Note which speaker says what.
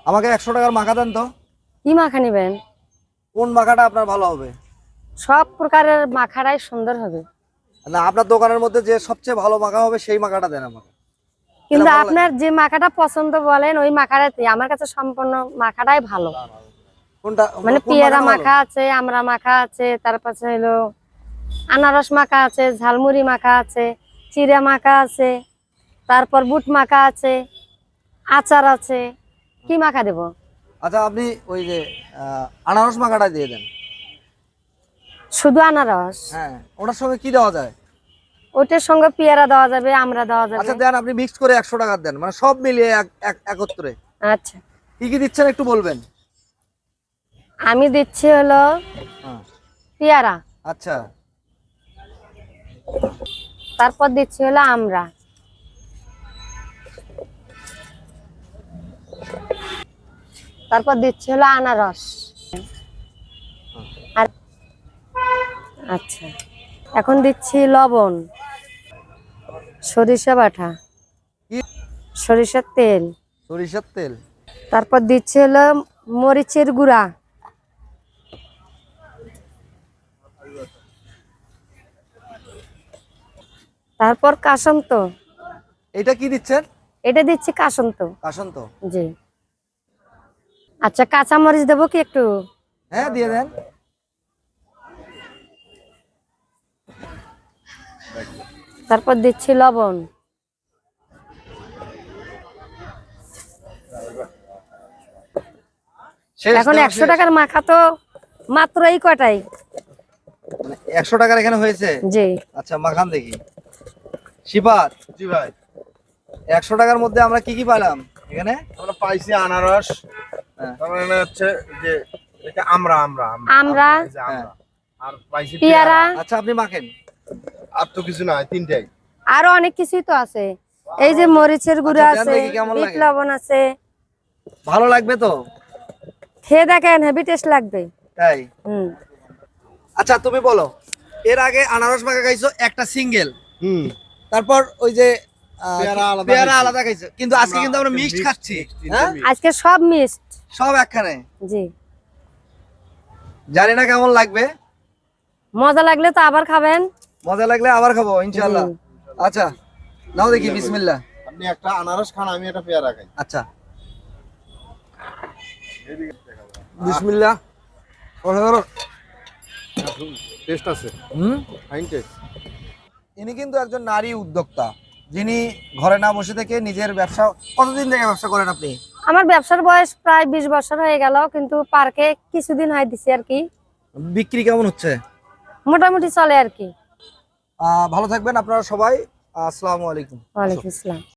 Speaker 1: আমাকে 100 টাকার মাখা দেন তো।
Speaker 2: কি মাখা নেবেন?
Speaker 1: কোন মাখাটা আপনার ভালো হবে?
Speaker 2: সব প্রকারের মাখাটাই সুন্দর হবে,
Speaker 1: না, আপনার দোকানের মধ্যে যে সবচেয়ে ভালো মাখা হবে সেই মাখাটা দেন আমাকে।
Speaker 2: কিন্তু
Speaker 1: ভালো
Speaker 2: আপনার যে মাখাটা পছন্দ বলেন ওই মাখাটাই। আমার কাছে সম্পূর্ণ মাখাটাই ভালো।
Speaker 1: কোনটা
Speaker 2: মানে
Speaker 1: কোন
Speaker 2: পেয়ারা
Speaker 1: মাখাটা ভালো?
Speaker 2: মাখা আছে, আমড়া মাখা আছে, তারপর হলো আনারস মাখা আছে, ঝালমুড়ি মাখা আছে, চিড়া মাখা আছে, তারপর বুট মাখা আছে, আচার আছে। কি মাখা দেব?
Speaker 1: আচ্ছা, আপনি ওই যে আনারস মাখাটা দিয়ে দেন।
Speaker 2: শুধু আনারস?
Speaker 1: হ্যাঁ, ওটার সঙ্গে কি দেওয়া যায়?
Speaker 2: ওটার সঙ্গে পেয়ারা দেওয়া যাবে, আমড়া দেওয়া যাবে।
Speaker 1: আচ্ছা দেন, আপনি মিক্স করে 100 টাকা দেন, মানে সব মিলিয়ে একত্রে।
Speaker 2: আচ্ছা,
Speaker 1: কি কি দিচ্ছেন একটু বলবেন?
Speaker 2: আমি দিচ্ছি হলো
Speaker 1: হ্যাঁ।
Speaker 2: পেয়ারা,
Speaker 1: আচ্ছা।
Speaker 2: তারপর দিচ্ছি হলো আমড়া, তারপর দিচ্ছি হলো আনারস। আর আচ্ছা, এখন দিচ্ছি লবণ, সরিষা বাটা,
Speaker 1: কি?
Speaker 2: সরিষার তেল,
Speaker 1: সরিষার তেল।
Speaker 2: তারপর দিচ্ছি হলো মরিচের গুঁড়া, তারপর কাসন্ত।
Speaker 1: এটা কি দিচ্ছেন?
Speaker 2: এটা দিচ্ছি কাসন্ত।
Speaker 1: কাসন্ত।
Speaker 2: জি। আচ্ছা, কাঁচা মরিচ দেবো কি একটু?
Speaker 1: হ্যাঁ, দিয়ে দেন।
Speaker 2: তারপর দিচ্ছি লবণ। এখন 100 টাকার মাখা তো মাত্র এই কটাই।
Speaker 1: মানে 100 টাকার এখানে হয়েছে?
Speaker 2: জি।
Speaker 1: আচ্ছা, মাখান দেখি। শিপাত।
Speaker 3: জি ভাই,
Speaker 1: 100 টাকার মধ্যে আমরা কি কি পেলাম এখানে?
Speaker 3: আমরা পাইছি আনারস,
Speaker 1: হ্যাঁ।
Speaker 3: তার মানে হচ্ছে যে এটা আমরা আমরা
Speaker 2: আমরা,
Speaker 3: এই যে আমরা। আর পাইছি
Speaker 2: পেয়ারা।
Speaker 1: আচ্ছা, আপনি মাখেন।
Speaker 3: আর তো কিছু নাই, তিনটাই।
Speaker 2: আরো অনেক কিছুই তো আছে। এই যে মরিচের গুঁড়া
Speaker 1: আচ্ছা, দেন
Speaker 2: আছে,
Speaker 1: দেখি কেমন
Speaker 2: বিট
Speaker 1: লাগে।
Speaker 2: লবণ আছে।
Speaker 1: ভালো লাগবে তো?
Speaker 2: খেয়ে দেখেন, হেভি টেস্ট লাগবে।
Speaker 1: তাই?
Speaker 2: হুম।
Speaker 1: আচ্ছা, তুমি বলো, এর আগে আনারস মাখা খাইছো একটা সিঙ্গেল,
Speaker 3: হুম।
Speaker 1: তারপর ওই যে পেয়ারা
Speaker 3: খাইছি।
Speaker 1: আলাদা খাইছো, কিন্তু আজকে কিন্তু আমরা মিক্সড খাচ্ছি। হ্যাঁ,
Speaker 2: আজকে সব মিক্সড।
Speaker 1: সব একখানে।
Speaker 2: জি।
Speaker 1: জানি না কেমন লাগবে।
Speaker 2: মজা লাগলে তো আবার খাবেন।
Speaker 1: মজা লাগলে আবার খাবো ইনশাআল্লাহ।
Speaker 2: জি।
Speaker 1: আচ্ছা, নাও দেখি, বিসমিল্লাহ।
Speaker 3: আপনি একটা আনারস খান, আমি একটা পেয়ারা খাই।
Speaker 1: আচ্ছা, বিসমিল্লাহ। অসাধারণ।
Speaker 3: টেস্ট আছে,
Speaker 1: হুম।
Speaker 3: Fine test.
Speaker 1: ইনি কিন্তু একজন নারী উদ্যোক্তা, যিনি ঘরে না বসে থেকে নিজের ব্যবসা। কতদিন থেকে ব্যবসা করেন আপনি?
Speaker 2: আমার ব্যবসার বয়স প্রায় 20 বছর হয়ে গেল, কিন্তু পার্কে কিছুদিন হয় দিছি আর কি।
Speaker 1: বিক্রি কেমন হচ্ছে?
Speaker 2: মোটামুটি চলে আর কি।
Speaker 1: ভালো থাকবেন আপনারা সবাই। আসসালামু আলাইকুম।
Speaker 2: ওয়ালাইকুম আসসালাম।